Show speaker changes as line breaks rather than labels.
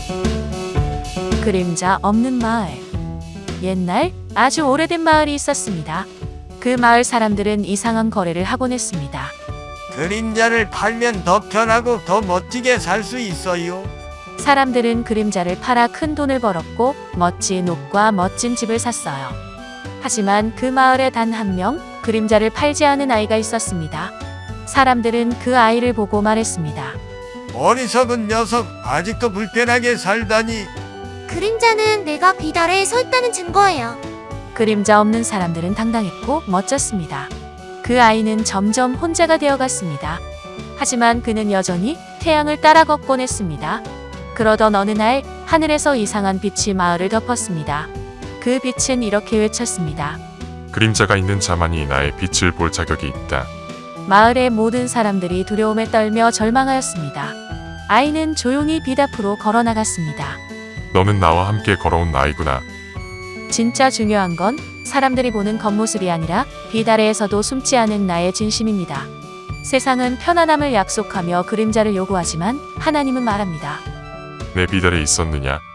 그림자 없는 마을. 옛날 아주 오래된 마을이 있었습니다. 그 마을 사람들은 이상한 거래를 하곤 했습니다.
그림자를 팔면 더 편하고 더 멋지게 살 수 있어요.
사람들은 그림자를 팔아 큰 돈을 벌었고 멋진 옷과 멋진 집을 샀어요. 하지만 그 마을에 단 한 명 그림자를 팔지 않은 아이가 있었습니다. 사람들은 그 아이를 보고 말했습니다.
어리석은 녀석, 아직도 불편하게 살다니.
그림자는 내가 빛 아래에 서 있다는 증거예요.
그림자 없는 사람들은 당당했고 멋졌습니다. 그 아이는 점점 혼자가 되어갔습니다. 하지만 그는 여전히 태양을 따라 걷곤 했습니다. 그러던 어느 날 하늘에서 이상한 빛이 마을을 덮었습니다. 그 빛은 이렇게 외쳤습니다.
그림자가 있는 자만이 나의 빛을 볼 자격이 있다.
마을의 모든 사람들이 두려움에 떨며 절망하였습니다. 아이는 조용히 빛 앞으로 걸어나갔습니다.
너는 나와 함께 걸어온 아이구나.
진짜 중요한 건 사람들이 보는 겉모습이 아니라 빛 아래에서도 숨지 않은 나의 진심입니다. 세상은 편안함을 약속하며 그림자를 요구하지만 하나님은 말합니다.
내 빛 아래 있었느냐?